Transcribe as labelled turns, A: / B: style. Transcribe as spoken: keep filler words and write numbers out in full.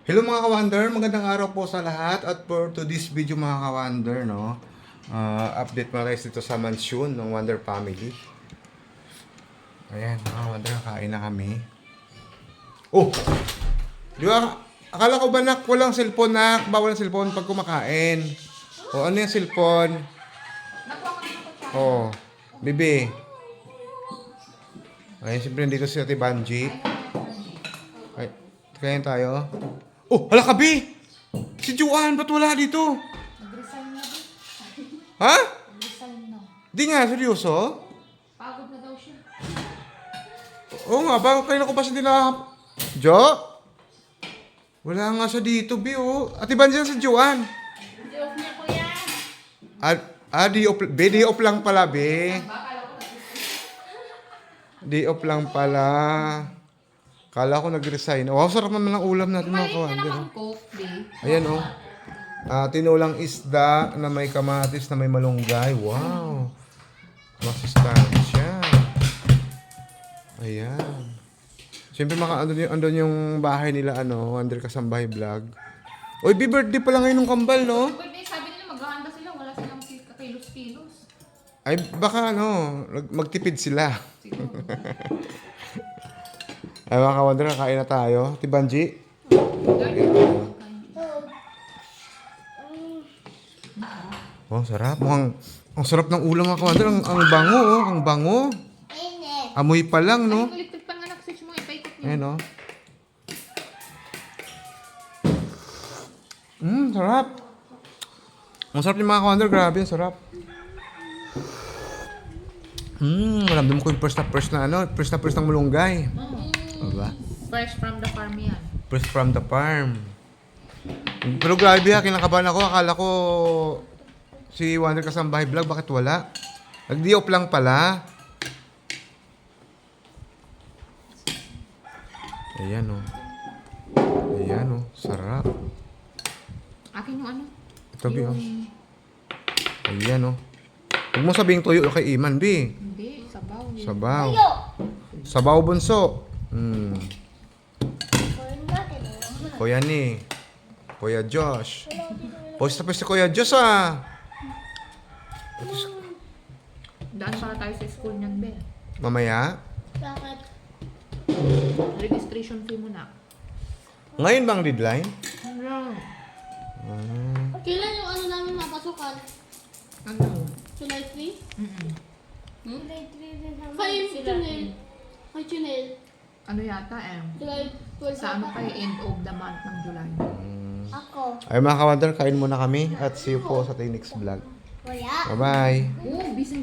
A: Hello mga ka-wonder, magandang araw po sa lahat at for to this video mga ka-wonder, no? Uh, update mo guys dito sa mansion ng Wonder Family. Ayan, mga ka-wonder, kain na kami. Oh! Di ba? Akala ko ba nak, walang cellphone nak, bawal ang cellphone pag kumakain. O ano yung cellphone? Oh, bibi. Ayan, siyempre dito si Ate Banji. Ay, kain tayo. Oh, hala ka, Bi! Si Juan, ba't wala dito?
B: Nag-resign na din.
A: Ha?
B: Nag-resign na.
A: Di nga, seryoso?
B: Pagod na daw siya.
A: Oo nga, bakit kayo ko pa siya nila... Jo? Wala nga siya dito, Bi, oh. Ate Banji si Juan.
B: Joke niya, kuya.
A: Ah, ah di off, Bi, di off lang pala, Bi. Di off lang pala. Kala ko nag-resign. Wow, sarap naman ng ulam natin mga
B: Kumain ka
A: kawan.
B: naman, Coke, babe.
A: Ayan, oh. Ah, tinulang isda na may kamatis na may malunggay. Wow. Masustansya. Ayan. Siyempre, maka, andun, yung, andun yung bahay nila, ano, Wonder Kasambahay Vlog. Uy, B-birthday pala ngayon ng kambal, no?
B: Birthday, sabi nila maghahanda sila. Wala silang kakilos-kilos.
A: Ay, baka, ano, mag- magtipid sila.
B: Siguro.
A: Ay, mga ka-wonder, kakain na tayo. Ate Banji? Oh, sarap. Mukhang, ang sarap ng ulam mga ka-wonder. Ang, ang bango, oh. Ang bango. Amoy pa lang,
B: Ay,
A: no?
B: yung electric pan nga switch mo, ipaikot niyo.
A: Ayan, oh. Mmm, sarap. Ang sarap yung mga ka-wonder. Grabe, ang sarap. Mmm, maramdam ko yung first na first na, ano, first na first ng mulunggay. Diba?
B: Fresh from the farm yan.
A: Fresh from the farm. Pero grabe ha, kinakabahan ako. Akala ko si Wonder Kasambahay Vlog, bakit wala? Nag-di-off lang pala. Ayan o. Oh. Ayan o. Oh. Sarap.
B: Akin yung ano?
A: Ito, Bi, oh.
B: Yung...
A: Ayan o. Oh. Huwag mo sabihing tuyo kay Iman, Bi.
B: Hindi, sabaw. Yun.
A: Sabaw. Sabaw bunso. Hmm. Kuya ni. Kuya Josh. Post na post si Kuya Josh ah.
B: Daan para tayo sa school niyan, be.
A: Mamaya.
C: Bakit?
B: Registration fee muna.
A: Ngayon bang deadline?
B: Ano?
A: Hmm.
C: Kailan yung ano namin mapasukan?
B: Ano?
C: July three?
B: Mm-mm.
C: Hmm? Kay Chinel. Kay Chinel.
B: Ano yata eh?
C: July twelve.
B: Sa ano pa eh, end of the month ng July.
C: Ako.
A: Ay mga ka-wonder, kain muna kami at see you po sa next vlog.
C: Kuya.
A: Bye-bye.
B: Oh, busy